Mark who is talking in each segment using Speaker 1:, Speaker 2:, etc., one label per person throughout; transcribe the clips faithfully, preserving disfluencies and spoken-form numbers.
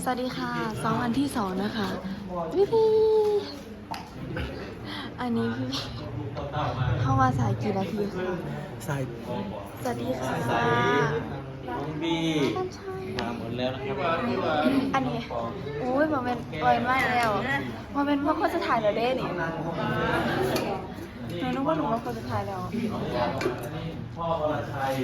Speaker 1: วัสดีค่ะสองวันที่สองนะคะพี่พี่อันนี้พี่เข้ามาสายกี่นาทีคะ
Speaker 2: สาย
Speaker 1: สวัสดีค่ะ
Speaker 3: พี่มาหมดแล้วนะครับ
Speaker 1: อันนี้โอ้ยมาเป็นปล่อยมากแล้วมาเป็นว่าคนจะถ่ายแล้วเด้นี่หนูนึกว่าหนูว่าคนจะถ่ายแล้ว
Speaker 3: พ่อวรชัย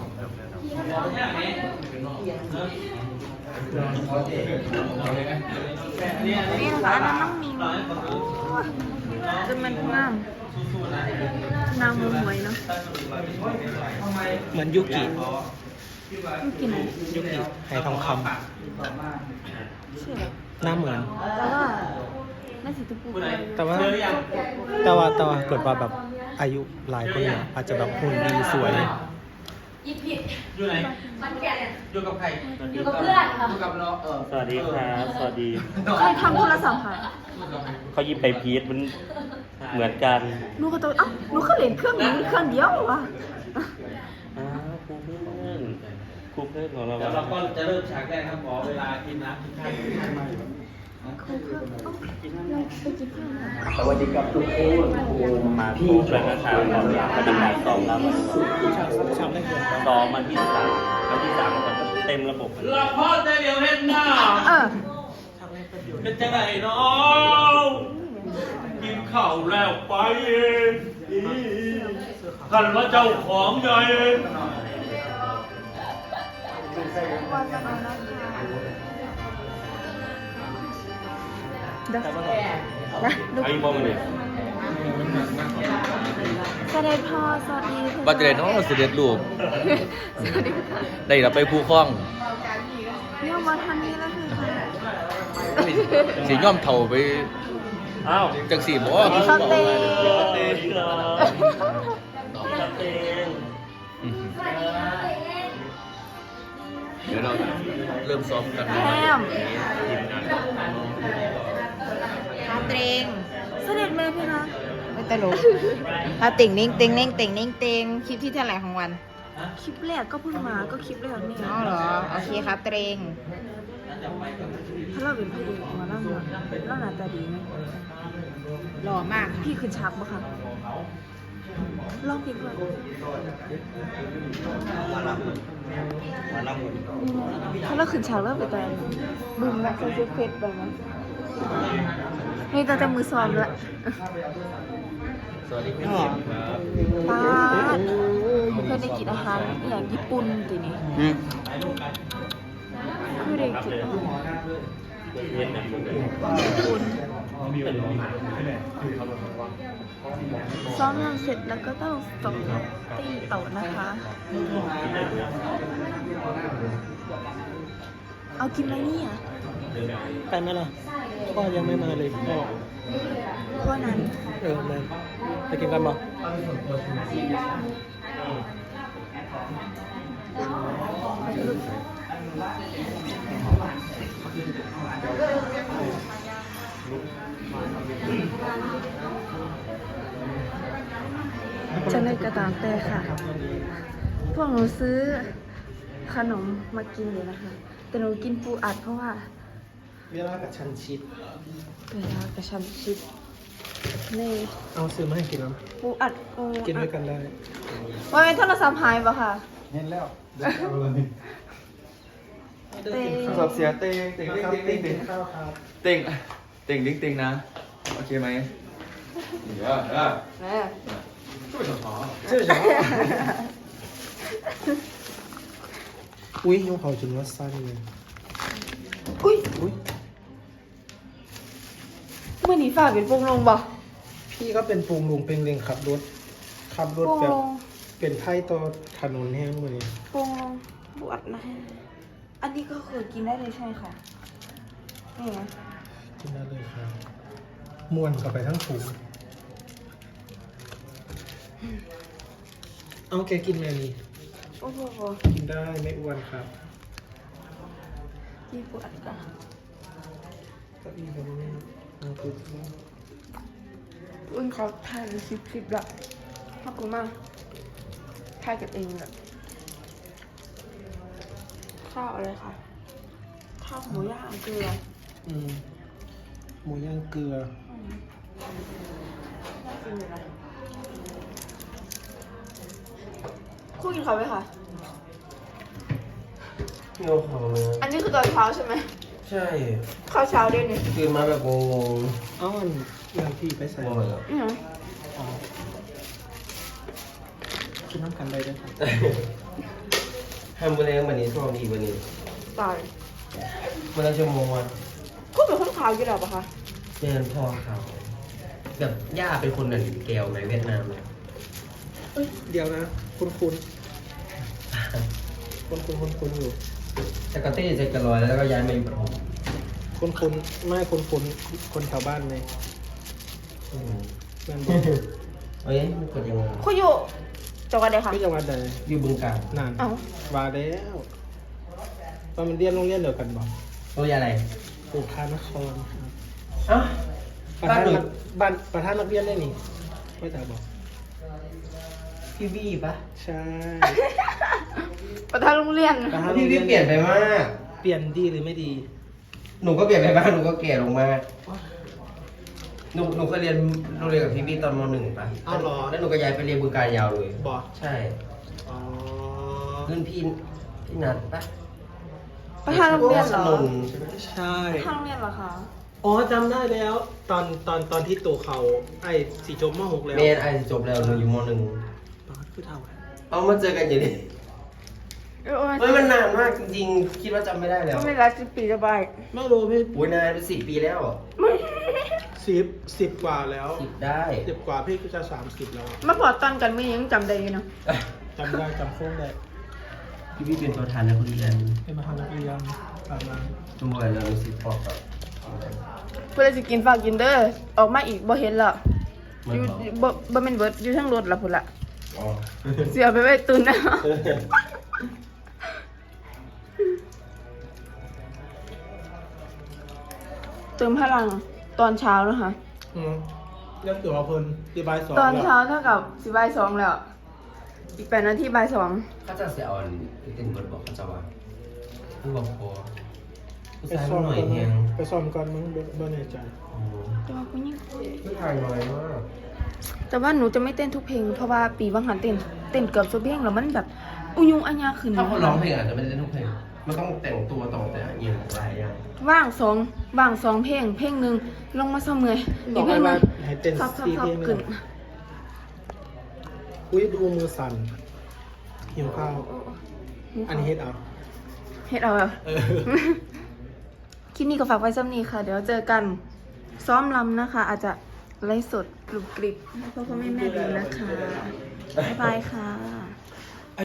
Speaker 1: นี่นะคะอันนั้นน้องมิงจนมันงามนางมือหวยเนาะ
Speaker 2: เหมือนยุกิ
Speaker 1: ยูกิไหน
Speaker 2: ยุกิไหทองค
Speaker 1: ชื่ออะไร
Speaker 2: ำหน้าเหมือน
Speaker 1: แล้วก็น่าสิตุปู
Speaker 2: แต่ว่าแต่ว่าแต่ว่าเกิดว่าแบบอายุหลายคนเนี่ยอาจจะแบบหุ่นดีสวย
Speaker 4: ยิบผิด
Speaker 3: อยู่ไหน
Speaker 4: มันแก่เนี่ย
Speaker 3: อยู่กับใคร
Speaker 4: อยู่กับเพื่อนค่ะ
Speaker 3: อยู่กับน้องเออ
Speaker 5: สวัสดีครับสวัสดี
Speaker 1: ใครทำโทรศัพท์หาย
Speaker 5: เขายิบไปพีทมันเหมือนกัน
Speaker 1: หนูก็ตัวเอ้าหนูก็เล่นเครื่องนี้เครื่องเดียววะ
Speaker 5: อ้าวครูเพื่อนครูเพื่อนของเรา
Speaker 3: เดี๋ยวเราก็จะเริ่มฉากแรกครับขอเวลากินน้ำกินข้าวกินข้าวมาอยู่
Speaker 1: เครื่องเครื่องเอ้าเราไปกินข้าวหน่อย
Speaker 5: สวัสดีครับทุกคนครูมาพี่ช่วยนะครับก่อนปฏิบัติซ้อมแล้ว
Speaker 2: ฉากฉากแรกเกินไป
Speaker 5: ซ้อมวันที่สามวันที่สามมันก็เต็มระบบ
Speaker 3: ละพ่อจะเดี๋ยวเห็นหน้า
Speaker 1: เออ
Speaker 3: เป็นจังไหนน้องกินข้าวแล้วไปเองท่านว่าเจ้าของใหญ่
Speaker 1: วันจะมาแล้วค่ะเดี๋ยวนะดู
Speaker 5: ไอ้บอมเลย
Speaker 1: เสด็จพ่อสวัสดี
Speaker 6: บัตรเดนน้องเสด็จลูก
Speaker 1: สวัสดีค่ะ
Speaker 6: ได้เราไปผู้คล้อง
Speaker 1: เยี่ยมมาทันนี้แล้วคือค่ะ
Speaker 6: สีย่อมเท่าไป
Speaker 5: อ้าว
Speaker 6: จังสีบ่
Speaker 1: สเต็ก
Speaker 5: เต้นเต้น
Speaker 6: เดี๋ยวเราเริ่มซ้อมกัน
Speaker 1: แฮมฮาเตรงเสด็จแม่พี่นะ
Speaker 7: ไม่ตลกถ้าติ่งนิ่งติ่งนิ่งติ่งนิ่งติ่งคลิปที่เท่าไหร่ของวัน
Speaker 1: คลิปแรกก็เพิ่งมาก็คลิปแรกนี่
Speaker 7: อ๋อเหรอ โอเคครับเตรง
Speaker 1: ถ้าเราเป็นพระเอกมาแล้วมาแล้วหน้าตาดีไหม
Speaker 7: หล่อมากค่ะ
Speaker 1: พี่ขึ้นฉากปะคะลองเพลงก่อน
Speaker 5: มาลับมาลับ
Speaker 1: ถ้าเราขึ้นฉากแล้วไปตอนบึ้มนะใส่เสื้อเฟซไปมั้ยนี่ตอนจะมือซ้อมละ
Speaker 6: สวัสดีพี่ครับ
Speaker 1: ป้าเคยได้กินอาหารอย่างญี่ปุ่นตีนี้ไม่ได้กินอาหาร
Speaker 5: เย็นแบบนี้
Speaker 1: ญี่ปุ่นซ้อมงานเสร็จแล้วก็ต้องส่งตีโต๊ะนะคะ เอากินอะไรเนี่ย
Speaker 2: ไปไหมล่ะพ่อยังไม่มาเลยพ่อ
Speaker 1: เพราะนั้น
Speaker 2: เออมาไปกินกันบ่
Speaker 1: จะในกระตามแต่ค่ะ พวกหนูซื้อขนมมากินอยู่นะคะ แต่หนูกินปูอัดเพราะว่า
Speaker 2: เวลากับชันชิด
Speaker 1: เวลากระชันชิดนี่
Speaker 2: เอาซื้อมาให้กินแล้ว
Speaker 1: ปูอัดปู
Speaker 2: กินด้วยกันได้
Speaker 1: ว่าเป็นโทรศัพท์หายปะค่ะ
Speaker 2: เห็นแล้ว
Speaker 1: เต้
Speaker 6: โทรศัพท์เสียเต็งเต็งเต็งเต็งเต็ง
Speaker 2: ข้าวครับ
Speaker 6: เต็งเต็งเต็งนะโอเคไหมเดี๋ยวเดี๋ยว
Speaker 1: แม่
Speaker 6: ช่วยสมอ
Speaker 2: เชื่อฉันอุ้ยยงเขาจนว่าสั้นเลย
Speaker 1: อุ้ย
Speaker 2: อุ้ย
Speaker 1: เมื่อนี้ฝ่าเป็นโปงลงบ่
Speaker 2: พี่ก็เป็นปูงลุงเป็นเร่งขับรถขับรถ
Speaker 1: โปง
Speaker 2: แบบ
Speaker 1: ลง
Speaker 2: เป็นไพ่ต่อถนนแห้งเลย
Speaker 1: โปงลงปูอัดนะอันนี้ก็คือกินได้เลยใช่ไหมคะนี่ไง
Speaker 2: กินได้เลยครับม้วนกลับไปทั้งถุงเอาแกกินแม่นี่
Speaker 1: โอ้โห
Speaker 2: กินได้ไม่อ้วนครับ
Speaker 1: กินปูอัดก่อน
Speaker 2: ก็อีกแบบนี้เอาปุ๊บ
Speaker 1: อุ้นเขาถ่ายคลิปคลิปละขอบคุณมากถ่ายกันเองแบบข้าวอะไรคะข้าวหมูย่างเกลือ
Speaker 2: อืมหมูย่างเกลือ
Speaker 1: น่ากินอยู่นะคู่กินเขาไหมคะ
Speaker 8: โง่ของเลย
Speaker 1: อันนี้คือตอนเช้าใช่ไหม
Speaker 8: ใช่
Speaker 1: ข้าวเช้าด้วยนี่
Speaker 8: ตื่นมาแบบงง
Speaker 2: เอ้าอันเรื่องที่ไปใส่
Speaker 8: ๆงงเลย
Speaker 1: อือ
Speaker 2: อ๋อกินน้ำกันได้ด้วยครับ
Speaker 8: ทำวันนี้วันนี้ช่วงนี้วันนี้
Speaker 1: ตาย
Speaker 8: วันละชั่วโมงวัน
Speaker 1: คุณเป็นคนขาวอยู่แล้วปะคะ
Speaker 8: เรียนพ่อเขาแบบย่าเป็นคนนั่นแก้วไหมเวียดนามเนี่ย
Speaker 2: เอ้ยเดี๋ยวนะ คุณคุณคุณคุณคุณคุณอยู่
Speaker 8: จากกะตี้เซ็กกะลอยแล้วก็ย้ายมาอยู่ปฐม
Speaker 2: คุณคุณไม่คุณคุณคนแถวบ้านเลย
Speaker 8: อืม
Speaker 2: แม่นบอก
Speaker 8: เอ้ยมันกดยังไง
Speaker 1: คุณอยู่จังหวัดใดคะ
Speaker 2: พี่จังหวัดใด
Speaker 8: อยู่บึงกาฬ
Speaker 2: นาน
Speaker 1: เอ้า
Speaker 2: ว่าแล้วตอนมันเรียนโรงเรียนเดียวกันบอก
Speaker 8: โรงเรียนอะไร
Speaker 2: ปู่พานครครับ
Speaker 8: เอ้า
Speaker 2: ประ
Speaker 8: บ้าน
Speaker 2: ธาน
Speaker 8: หนู
Speaker 2: นักบ้านประธานนักเรียนได้นี่ไม่แต่บอก
Speaker 8: พี่บี้ปะ
Speaker 2: ใช่
Speaker 1: ประธานโรงเรียน
Speaker 2: ประธานโร
Speaker 8: พี่
Speaker 2: งเรี
Speaker 8: บี้
Speaker 2: ยน
Speaker 8: เปลี่ยนไปมาก
Speaker 2: เปลี่ยนดีหรือไม่ดี
Speaker 8: หนูก็เปลี่ยนไปบ้างหนูก็แก่ลงมากหนูหนูเคยเรียนโรงเรียนกับพี่บี้ตอนมหนึ่งปะ
Speaker 2: อ้าวเหรอ
Speaker 8: แล้วหนูก็ย้ายไปเรียนบึงกาฬยาวเลย
Speaker 2: บอก
Speaker 8: ใช่
Speaker 2: อ๋อ
Speaker 8: รุ่นพี่พี่นัดปะ
Speaker 1: ประธานโรงเรียนเหรอ
Speaker 8: สนนใช่ไหม
Speaker 2: ใช่
Speaker 1: ประธานโรงเรียนเหรอคะ
Speaker 2: อ๋อจำได้แล้ว ตอนตอนตอนที่ตัวเขาไอ้สีจบมหกแล้ว
Speaker 8: เมนไอจบแล้วหนูอยู่มหนึ่ง
Speaker 2: ตอนคือเท่าไหร่
Speaker 8: เอามาเจอกันอยู่ดิ
Speaker 1: เออ
Speaker 8: เฮ้ยมันนานมากจริงๆ คิดว่าจำไม่ได้แล้ว
Speaker 1: ก็ไม่รักสิบปีจะไป
Speaker 2: ไม่รู้พี่
Speaker 8: โอ้ยนานเป็นสิบปีแล้ว
Speaker 2: สิบสิบกว่าแล้ว
Speaker 8: สิบได้
Speaker 2: สิบกว่าพี่ก็จะสามสิบแล้ว
Speaker 1: มาพอตอนกันไม่ยังจำได้อยู่เนาะ
Speaker 2: จำได้จำโค้งได้
Speaker 8: พี่พี่เป็นประธานนักเรียน
Speaker 2: เป็นประธานนักเรียนประมาณ
Speaker 8: ชั่วโมงละรู้สึกพอกับ
Speaker 1: เพื่อจะกินฝากกินเด้อออกมาอีกบ่เห็นละ
Speaker 8: มั
Speaker 1: อน ยู่
Speaker 8: บอก
Speaker 1: บ่บ่แม่นเบิดอยู่ทั้งรถละพุ่นละ
Speaker 8: อ๋อ
Speaker 1: เสียไปไว้ตุนนะเติมพลังตอนเช้าแล้วค่ะ
Speaker 2: อืมเรียกตัวเพลินที่บ่ายสอง
Speaker 1: ตอน
Speaker 2: แล้ว
Speaker 1: เช้าเท่ากับสิบ่ายสองแล้ว อีกแปดนาทีบ่ายสอง
Speaker 8: เขาจะเสียอ่อนเต็มบทบอกเขาจะว่าผู้บอกพอผู้
Speaker 2: ไป
Speaker 8: ชาย
Speaker 2: ซ่อม
Speaker 8: หน่อย
Speaker 2: ก่อน
Speaker 8: แห
Speaker 2: มั้
Speaker 8: ง
Speaker 2: งไปซ่อมก่อนมั้งบ่บ่แน่ใจ
Speaker 8: อ๋อ
Speaker 1: แต่ว่าผู้หญิง
Speaker 8: ผู้ชายน้อยมาก
Speaker 1: แต่ว่าหนูจะไม่เต้นทุกเพลงเพราะว่าปีบางหันเต้นเต้นเกือบทุกเพลงแล้วมันแบบอุยุงอัญญาขึ้น
Speaker 8: ถ้าคนร้องเพลงอาจจะไม่ได้เต้นทุกเพลงมันต้องแต่งตัวต้องแต่งเงียบหลายอย่าง
Speaker 1: ว่างสองว่างสองเพลง เพลงหนึ่งลงมาเสมอ
Speaker 2: บ
Speaker 1: อี
Speaker 2: อก
Speaker 1: กเพล
Speaker 2: ให้
Speaker 1: งห
Speaker 2: ว่า
Speaker 1: นึง
Speaker 2: ให้เต้น
Speaker 1: ซับซับ
Speaker 2: สี่
Speaker 1: ซับ
Speaker 2: เพลง
Speaker 1: ขึ้น
Speaker 2: เลยอุ้ยดูมือสั่นหิวข้าว อันนี้เฮ็ดเอา
Speaker 1: เฮ็ดเอาอะ
Speaker 2: เออ
Speaker 1: คลิปนี้ก็ฝากไว้ซ้ำนี้ค่ะ เดี๋ยวเจอกันซ้อมลำนะคะ อาจจะไลฟ์สดกรุบกริบให้พ่อพ่อแม่แม่ดูนะคะ บ๊ายบายค่ะ